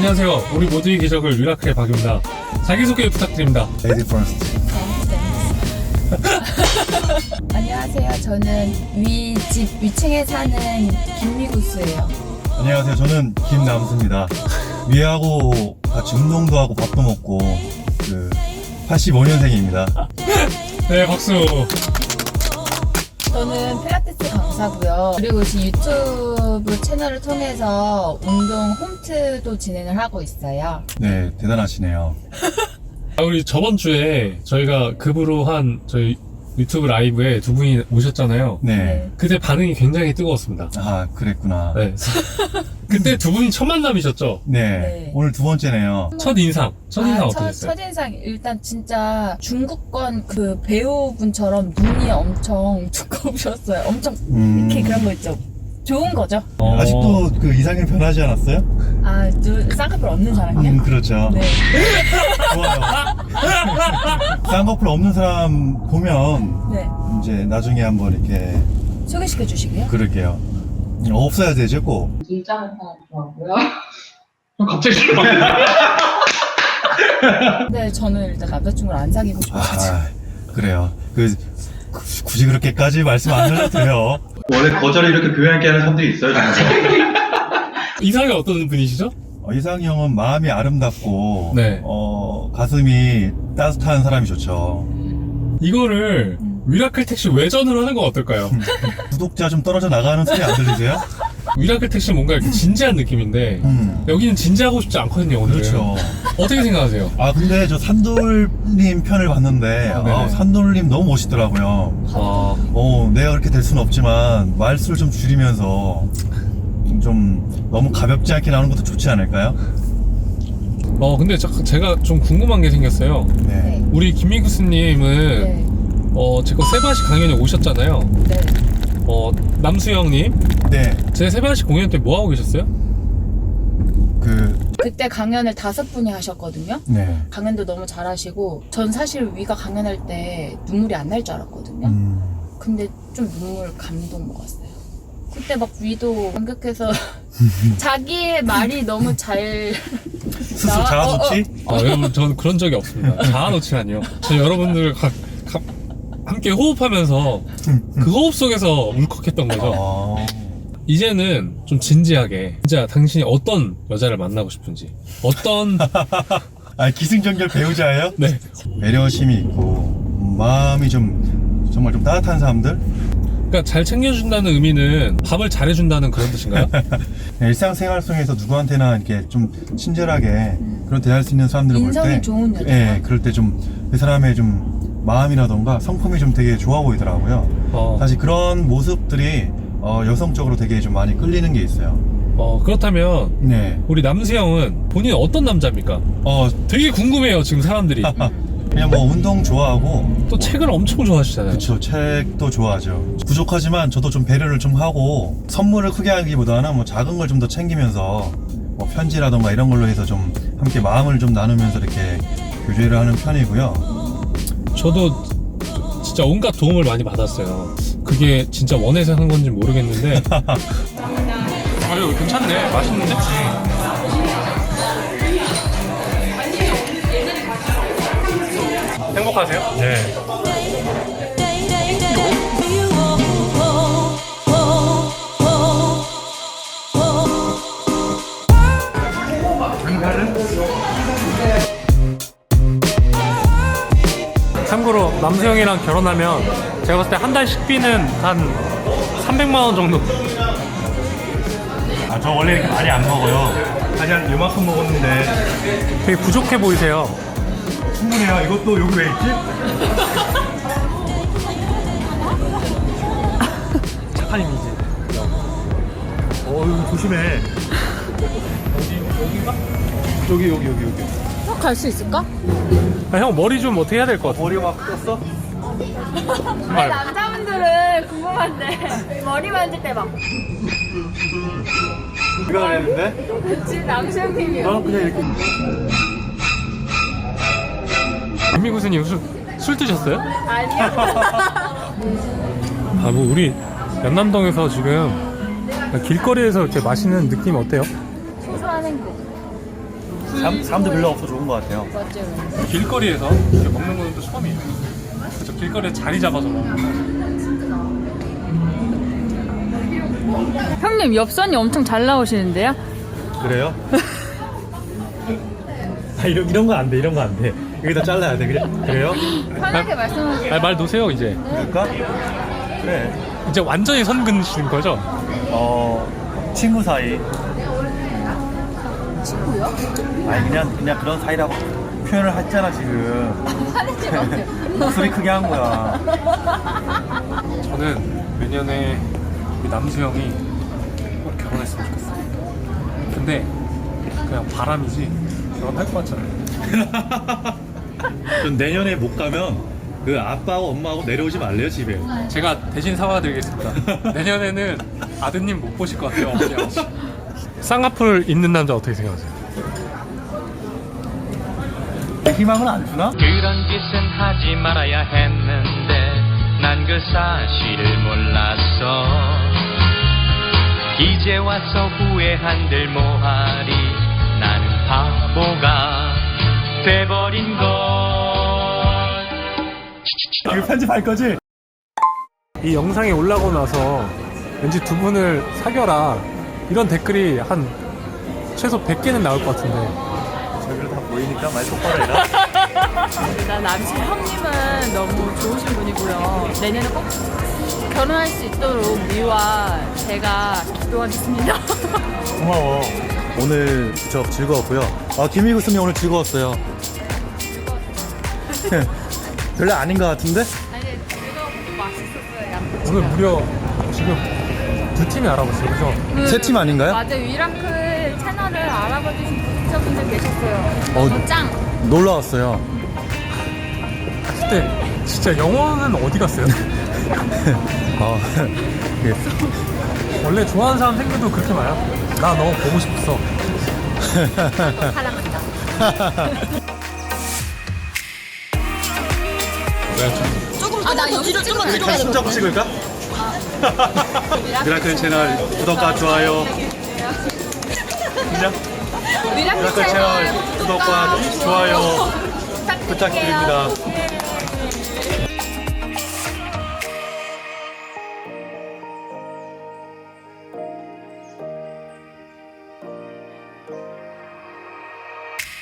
안녕하세요. 우리 모두의 기적을 미라클의 박입니다. 자기소개 부탁드립니다. 레이디 퍼스트. 안녕하세요. 저는 집 위층에 사는 김미구스예요. 안녕하세요. 저는 김남수입니다. 위하고 같이 운동도 하고 밥도 먹고 85년생입니다. 네, 박수. 저는 필라테스 강사고요. 그리고 지금 유튜브 채널을 통해서 운동 홈트도 진행을 하고 있어요. 네, 대단하시네요. 우리 저번 주에 저희가 급으로 한 저희 유튜브 라이브에 두 분이 오셨잖아요. 네. 그때 반응이 굉장히 뜨거웠습니다. 아, 그랬구나. 네. 그때 두 분이 첫 만남이셨죠? 네. 네. 오늘 두 번째네요. 첫인상 어떠셨어요? 첫인상 일단 진짜 중국권 그 배우분처럼 눈이 엄청 두꺼우셨어요. 엄청 이렇게 그런 거 있죠. 좋은 거죠. 아직도 그 이상형 변하지 않았어요? 아, 쌍꺼풀 없는 사람이요? 그렇죠. 네. 좋아요. 쌍꺼풀 없는 사람 보면 네. 이제 나중에 한번 이렇게 소개시켜 주시게요? 그럴게요. 없어야 되죠, 꼭. 일장을 하나 좋아하고요. 갑자기 네, 저는 일단 남자친구를 안 사귀고 싶어가지고. 아, 그래요. 굳이 그렇게까지 말씀 안 하셔도 돼요. 원래 거절을 이렇게 교양있게 하는 사람들이 있어요, 정말. 이상이 어떤 분이시죠? 이상형은 마음이 아름답고, 네. 가슴이 따뜻한 사람이 좋죠. 이거를 미라클 택시 외전으로 하는 건 어떨까요? 구독자 좀 떨어져 나가는 소리 안 들리세요? 미라클 택시 뭔가 이렇게 진지한 느낌인데 여기는 진지하고 싶지 않거든요, 오늘은. 그렇죠. 어떻게 생각하세요? 아, 근데 저 산돌님 편을 봤는데, 네네. 산돌님 너무 멋있더라고요. 내가 그렇게 될 수는 없지만, 말수를 좀 줄이면서, 좀 너무 가볍지 않게 나오는 것도 좋지 않을까요? 근데 제가 좀 궁금한 게 생겼어요. 네. 우리 김미구스님은 네. 제거 세바시 강연에 오셨잖아요. 네. 남수영님, 네. 제 세바시 공연 때 뭐 하고 계셨어요? 그때 강연을 5분이 하셨거든요. 네. 강연도 너무 잘하시고, 전 사실 위가 강연할 때 눈물이 안 날 줄 알았거든요. 근데 좀 눈물 감동 먹었어요. 그때 막 위도 감격해서 자기의 말이 너무 잘 스스로 자아도취? 여러분, 저는 그런 적이 없습니다. 자아놓치라니요. 저 여러분들 함께 호흡하면서 그 호흡 속에서 울컥했던 거죠. 이제는 좀 진지하게, 진짜 당신이 어떤 여자를 만나고 싶은지, 어떤 기승전결 배우자예요? 네. 배려심이 있고 마음이 정말 좀 따뜻한 사람들? 그러니까 잘 챙겨준다는 의미는 밥을 잘해준다는 그런 뜻인가요? 일상생활 속에서 누구한테나 이렇게 좀 친절하게 그런 대할 수 있는 사람들을 볼 때, 인성이 좋은 여자. 예, 그럴 때 좀 그 사람의 좀 마음이라던가 성품이 좀 되게 좋아 보이더라고요. 사실 그런 모습들이 여성적으로 되게 좀 많이 끌리는 게 있어요. 그렇다면 네. 우리 남수형은 본인 어떤 남자입니까? 되게 궁금해요, 지금 사람들이. 그냥 뭐 운동 좋아하고 또 책을 엄청 좋아하시잖아요. 그쵸, 책도 좋아하죠. 부족하지만 저도 좀 배려를 좀 하고 선물을 크게 하기보다는 뭐 작은 걸 좀 더 챙기면서 뭐 편지라던가 이런 걸로 해서 좀 함께 마음을 좀 나누면서 이렇게 교제를 하는 편이고요. 저도 진짜 온갖 도움을 많이 받았어요. 그게 진짜 원해서 한 건지 모르겠는데. 아유, 괜찮네. 맛있는데? 행복하세요? 네. 참고로 남수형이랑 결혼하면 제가 봤을 때 한 달 식비는 한 300만 원 정도. 저 원래 이렇게 많이 안 먹어요. 한 요만큼 먹었는데 되게 부족해 보이세요. 충분해요. 이것도 여기 왜 있지? 착한님이지. 이거 조심해. 여기인가? 여기. 갈 수 있을까? 형 머리 좀 어떻게 해야 될 것 같아? 머리가 막 떴어? 아니, 남자분들은 궁금한데 머리 만질 때 막 누가 그랬는데? 지금 남수형님이요. 너는 그냥 이렇게 김미구스님 술 드셨어요? 아니요. 뭐 우리 연남동에서 지금 길거리에서 이렇게 마시는 느낌 어때요? 소소한 행복. 사람도 별로 없어 좋은 것 같아요. 맞아요. 길거리에서 이렇게 먹는 건 또 처음이에요. 그래서 길거리에 자리 잡아서 먹는 거. 형님 엽선이 엄청 잘 나오시는데요? 그래요? 이런 거 안 돼. 이런 거 안 돼. 여기다 잘라야 돼. 그래요? 편하게 말씀하세요. 아, 말 놓으세요 이제. 그럴까? 그래. 이제 완전히 선 긋으시는 거죠? 친구 사이. 친구요? 아니 그냥 그런 사이라고 표현을 했잖아 지금. 화내지 마세요. 목소리 크게 한 거야. 저는 내년에 우리 남수 형이 꼭 결혼했으면 좋겠어요. 근데 그냥 바람이지 결혼할 것 같잖아요. 전 내년에 못 가면 그 아빠하고 엄마하고 내려오지 말래요 집에. 제가 대신 사과드리겠습니다. 내년에는 아드님 못 보실 것 같아요. 어머니 아버지. 쌍꺼풀 있는 남자 어떻게 생각하세요? 희망은 안 주나? 그런 짓은 하지 말아야 했는데 난 그 사실을 몰랐어. 이제 와서 후회한들 뭐하리. 나는 바보가 돼버린 걸. 이거 편집할 거지? 이 영상이 올라오고 나서 왠지 두 분을 사겨라 이런 댓글이 한 최소 100개는 나올 것 같은데. 저기로 다 보이니까 말 똑바로 해라. 일단 남실 형님은 너무 좋으신 분이고요. 내년에 꼭 결혼할 수 있도록 미와 제가 기도하겠습니다. 고마워. 오늘 저 즐거웠고요. 김희구 선생님 오늘 즐거웠어요. 별로 아닌 것 같은데? 아니 즐겁고 맛있었어요. 오늘 무려 지금 두 팀이 알아봤어요, 그죠? 세 팀 아닌가요? 맞아요. 위라클 채널을 알아봐주신 구독자분들 계셨어요. 너무 짱. 놀러 왔어요. 그때 진짜 영어는 어디 갔어요? 예. 원래 좋아하는 사람 생겨도 그렇게 말해요? 나 너 보고 싶었어. 사랑한다. 나 여기로 조금 들어가야 손잡고 찍을까? 미라클 채널 구독과 좋아요. 미라클 채널 구독과 좋아요 부탁드립니다.